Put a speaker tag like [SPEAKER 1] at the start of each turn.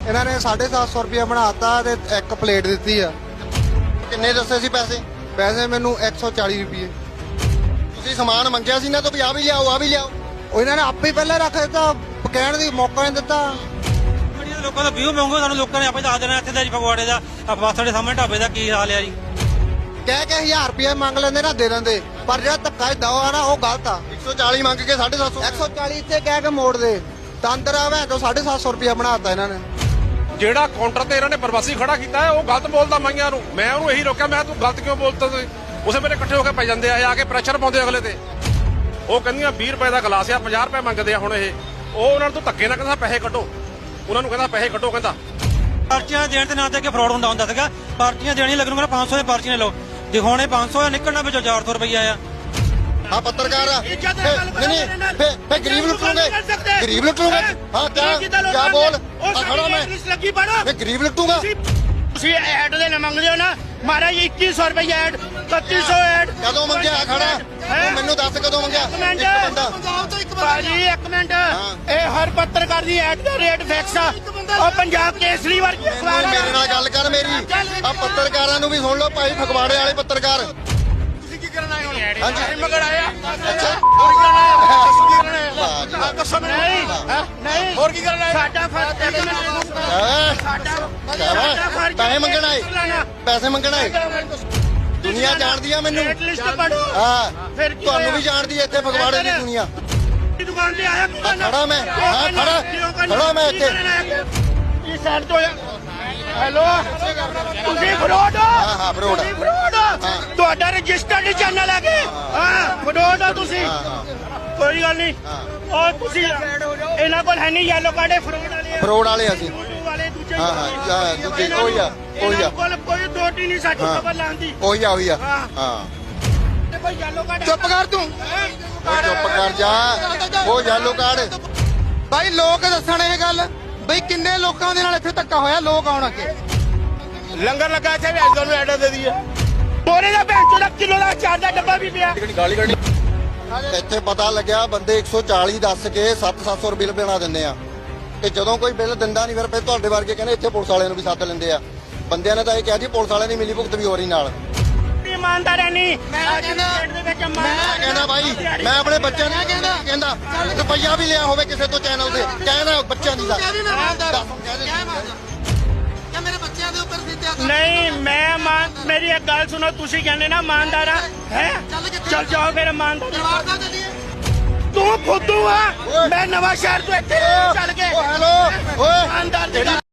[SPEAKER 1] ਇਹਨਾਂ ਨੇ 750 ਰੁਪਏ ਬਣਾਤਾ ਤੇ ਇੱਕ ਪਲੇਟ ਦਿੱਤੀ ਆ।
[SPEAKER 2] ਕਿੰਨੇ ਦੱਸੇ ਸੀ ਪੈਸੇ?
[SPEAKER 1] ਪੈਸੇ ਮੈਨੂੰ 140 ਰੁਪਏ।
[SPEAKER 2] ਤੁਸੀਂ ਸਮਾਨ ਮੰਗਿਆ ਸੀ ਨਾ ਤਾਂ ਵੀ ਆ ਵੀ ਲਿਆਓ, ਆ ਵੀ ਲਿਆਓ।
[SPEAKER 1] ਉਹ ਇਹਨਾਂ ਨੇ ਆਪੇ ਹੀ ਪਹਿਲਾਂ ਰੱਖ ਦਿੱਤਾ, ਕਹਿਣ ਦੀ ਮੌਕਾ ਨਹੀਂ ਦਿੱਤਾ।
[SPEAKER 3] ਲੋਕਾਂ ਦਾ ਵਿਊ ਮੰਗੋ, ਸਾਨੂੰ ਲੋਕਾਂ ਨੇ ਆਪੇ ਦੱਸ ਦੇਣਾ ਇੱਥੇ ਦਾ ਜੀ ਫਗਵਾੜੇ ਦਾ ਬੱਸ ਸਾਡੇ ਸਾਹਮਣੇ ਢਾਬੇ ਦਾ ਕੀ ਹਾਲ ਹੈ ਜੀ।
[SPEAKER 1] ਕਹਿ ਕੇ 1000 ਰੁਪਏ ਮੰਗ ਲੈਂਦੇ ਨਾ, ਦੇ ਦਿੰਦੇ, ਪਰ ਜਿਹੜਾ ਧੱਕਾ ਦੋ ਆ ਨਾ ਉਹ ਗਲਤ ਆ।
[SPEAKER 2] 140 ਮੰਗ ਕੇ 750।
[SPEAKER 1] 140 ਇੱਥੇ ਕਹਿ ਕੇ ਮੋੜ ਦੇ ਤੰਦਰ ਆਵੇ ਤਾਂ 750 ਰੁਪਏ ਬਣਾਤਾ ਇਹਨਾਂ ਨੇ।
[SPEAKER 4] ਜਿਹੜਾ ਕਾਊਂਟਰ ਤੇ ਇਹਨਾਂ ਨੇ ਪ੍ਰਵਾਸੀ ਖੜਾ ਕੀਤਾ ਹੈ ਉਹ ਗਲਤ ਬੋਲਦਾ ਮਾਈਆਂ ਨੂੰ। ਮੈਂ ਉਹਨੂੰ ਇਹੀ ਰੋਕਿਆ, ਮੈਂ ਤੂੰ ਗਲਤ ਕਿਉਂ ਬੋਲਦਾ ਤੁਸੀਂ? ਉਸੇ ਮੇਰੇ ਇਕੱਠੇ ਹੋ ਕੇ ਪੈ ਜਾਂਦੇ ਆ ਕੇ ਪ੍ਰੈਸ਼ਰ ਪਾਉਂਦੇ ਅਗਲੇ ਤੇ। ਉਹ ਕਹਿੰਦੀਆਂ 20 ਰੁਪਏ ਦਾ ਗਲਾਸ ਆ, 50 ਰੁਪਏ ਮੰਗਦੇ ਆ ਹੁਣ ਇਹ। ਉਹ ਉਹਨਾਂ ਨੂੰ ਧੱਕੇ ਨਾਲ ਕਹਿੰਦਾ ਪੈਸੇ ਕੱਢੋ, ਉਹਨਾਂ ਨੂੰ ਕਹਿੰਦਾ ਪੈਸੇ ਕੱਢੋ। ਕਹਿੰਦਾ
[SPEAKER 3] ਪਰਚੀਆਂ ਦੇਣ ਦੇ ਨਾਂ ਤੇ ਕਿ ਫਰਾਡ ਹੁੰਦਾ ਸੀਗਾ। ਪਰਚੀਆਂ ਦੇਣੀ ਲੱਗਣਗਾ 500 ਦੀ ਪਰਚੀਆਂ ਲਓ, ਦਿਖਾਉਣੇ 500 ਆ, ਨਿਕਲਣਾ ਵਿੱਚੋਂ 400 ਰੁਪਇਆ ਆ।
[SPEAKER 2] ਹਾਂ ਪੱਤਰਕਾਰ ਆ। ਨਹੀਂ ਫੇ ਗਰੀਬ ਲੁੱਟੂਗੇ, ਗਰੀਬ ਲੁੱਟੂਗੇ। ਹਾਂ ਕਿਆ ਬੋਲ ਖੜਾ ਮੈਂ ਗਰੀਬ ਲੁੱਟੂਗਾ।
[SPEAKER 5] ਤੁਸੀਂ ਐਡ ਦੇ ਨਾ ਮੰਗਦੇ ਹੋ ਨਾ ਮਹਾਰਾਜ 2100 ਰੁਪਏ ਐਡ, 3100 ਐਡ
[SPEAKER 2] ਕਦੋਂ ਮੰਗਿਆ ਖੜਾ? ਤੂੰ ਮੈਨੂੰ ਦੱਸ ਕਦੋਂ ਮੰਗਿਆ?
[SPEAKER 5] ਭਾਜੀ ਇੱਕ ਮਿੰਟ, ਇਹ ਹਰ ਪੱਤਰਕਾਰ ਦੀ ਐਡ ਦਾ ਰੇਟ ਫਿਕਸ ਆ। ਉਹ ਪੰਜਾਬ ਕੇਸਰੀ ਵਰਗੀ ਅਖਬਾਰ ਆ।
[SPEAKER 2] ਮੇਰੇ ਨਾਲ ਗੱਲ ਕਰ ਮੇਰੀ। ਆ ਪੱਤਰਕਾਰਾਂ ਨੂੰ ਵੀ ਸੁਣ ਲਓ ਭਾਈ, ਫਗਵਾੜੇ ਵਾਲੇ ਪੱਤਰਕਾਰ।
[SPEAKER 5] ਤੁਸੀਂ ਕੀ ਕਰਨ ਆਏ ਹੋ?
[SPEAKER 2] ਹਾਂਜੀ
[SPEAKER 5] ਮਗਰ ਆਇਆ।
[SPEAKER 2] ਅੱਛਾ
[SPEAKER 5] ਹੋਰ ਕੀ ਕਰਨ ਆਏ
[SPEAKER 2] ਵਾਹ
[SPEAKER 5] ਦੱਸੋ ਨਹੀਂ ਹੋਰ ਕੀ ਕਰਨ ਆਏ? ਸਾਡਾ ਫਰਜ਼
[SPEAKER 2] ਪੈਸੇ ਮੰਗਣ ਆਏ, ਪੈਸੇ ਮੰਗਣ ਆਏ। ਦੁਨੀਆ ਜਾਣਦੀ ਆ ਮੈਨੂੰ।
[SPEAKER 5] ਲਿਸਟ ਪੜੋ।
[SPEAKER 2] ਹਾਂ ਤੁਹਾਨੂੰ ਵੀ ਜਾਣਦੀ ਹੈ ਇੱਥੇ ਫਗਵਾੜੇ ਦੀ ਦੁਨੀਆ।
[SPEAKER 5] ਦੁਕਾਨ ਤੇ ਆਇਆ
[SPEAKER 2] ਖੜਾ ਮੈਂ, ਹਾਂ ਖੜਾ ਮੈਂ ਇੱਥੇ।
[SPEAKER 5] ਇਹ ਸਾਈਡ ਤੋਂ ਹੈਲੋ ਤੁਸੀਂ ਫਰੋਡ ਹੋ?
[SPEAKER 2] ਹਾਂ ਫਰੋਡ।
[SPEAKER 5] ਤੁਸੀਂ ਫਰੋਡ ਹੋ? ਤੁਹਾਡਾ ਰਜਿਸਟਰਡ ਚੈਨਲ ਹੈ ਕਿ ਹਾਂ ਫਰੋਡ ਹੋ ਤੁਸੀਂ? ਕੋਈ ਗੱਲ ਨਹੀਂ। ਉਹ ਤੁਸੀਂ ਇਹਨਾਂ ਕੋਲ ਹੈ ਨਹੀਂ ਯੈਲੋ ਕਾਰਡ, ਫਰੋਡ ਵਾਲੇ ਆ।
[SPEAKER 2] ਫਰੋਡ ਵਾਲੇ ਅਸੀਂ।
[SPEAKER 5] ਵਾਲੇ ਦੂਜੇ
[SPEAKER 2] ਹਾਂ ਦੂਜੇ ਕੋਈ ਆ
[SPEAKER 5] ਕੋਲ ਕੋਈ ਦੋਟੀ ਨਹੀਂ ਸਾਡੀ ਖਬਰ ਲਾਉਂਦੀ।
[SPEAKER 2] ਉਹੀ ਆ ਹਾਂ।
[SPEAKER 5] ਕੋਈ ਯੈਲੋ ਕਾਰਡ
[SPEAKER 2] ਚੁੱਪ ਕਰ ਤੂੰ, ਚੁੱਪ ਕਰ ਜਾ। ਉਹ ਯੈਲੋ ਕਾਰਡ।
[SPEAKER 1] ਭਾਈ ਲੋਕ ਦੱਸਣ ਇਹ ਗੱਲ ਬਈ ਕਿੰਨੇ ਲੋਕਾਂ ਦੇ ਨਾਲ ਇੱਥੇ ਧੱਕਾ ਹੋਇਆ। ਲੋਕ ਆਉਣ ਅੱਗੇ
[SPEAKER 5] ਲੰਗਰ ਲੱਗਾ ਇੱਥੇ ਵੀ ਤੁਹਾਨੂੰ ਐਡ ਦੇ ਦਈਏ। ਮੋਰੇ ਦਾ ਭੈਣ ਚੋਦਾ ਕਿਲੋ ਦਾ ਚਾਰ ਦਾ ਡੱਬਾ ਵੀ ਪਿਆ।
[SPEAKER 2] ਇੱਥੇ ਪਤਾ ਲੱਗਿਆ ਬੰਦੇ 140 ਦੱਸ ਕੇ 700 ਰੁਪਏ ਬਣਾ ਦਿੰਦੇ ਆ। ਤੇ ਜਦੋਂ ਕੋਈ ਬਿੱਲ ਦਿੰਦਾ ਨਹੀਂ ਫਿਰ ਤੁਹਾਡੇ ਵਰਗੇ ਕਹਿੰਦੇ ਇੱਥੇ ਪੁਲਿਸ ਵਾਲਿਆਂ ਨੂੰ ਵੀ ਸੱਦ ਲੈਂਦੇ ਆ। ਬੰਦਿਆਂ ਨੇ ਤਾਂ ਇਹ ਕਿਹਾ ਜੀ ਪੁਲਿਸ ਵਾਲਿਆਂ ਦੀ ਮਿਲੀ ਭੁਗਤ ਵੀ ਹੋ ਰਹੀ ਨਾਲ।
[SPEAKER 5] ਇਮਾਨਦਾਰ ਨਹੀਂ।
[SPEAKER 2] ਮੈਂ ਕਹਿੰਦਾ ਭਾਈ, ਮੈਂ ਆਪਣੇ ਬੱਚਿਆਂ ਨੂੰ ਕਹਿੰਦਾ ਰੁਪਈਆ ਵੀ ਲਿਆ ਹੋਵੇ ਕਿਸੇ ਤੋਂ ਚੈਨਲ ਤੇ ਕਹਿਣਾ ਬੱਚਿਆਂ ਦੀ ਦਾ
[SPEAKER 5] ਨਹੀਂ। ਮੈਂ ਮੇਰੀ ਇੱਕ ਗੱਲ ਸੁਣੋ, ਤੁਸੀਂ ਕਹਿੰਦੇ ਨਾ ਇਮਾਨਦਾਰ ਆ ਹੈ, ਚੱਲ ਜਾਓ ਫਿਰ ਇਮਾਨਦਾਰ। ਤੂੰ ਫੁੱਦੂ ਆ। ਮੈਂ ਨਵਾਂ ਸ਼ਹਿਰ ਤੋਂ ਇੱਥੇ ਚੱਲ ਕੇ
[SPEAKER 2] ਹੈਲੋ ਓਏ
[SPEAKER 5] ਇਮਾਨਦਾਰ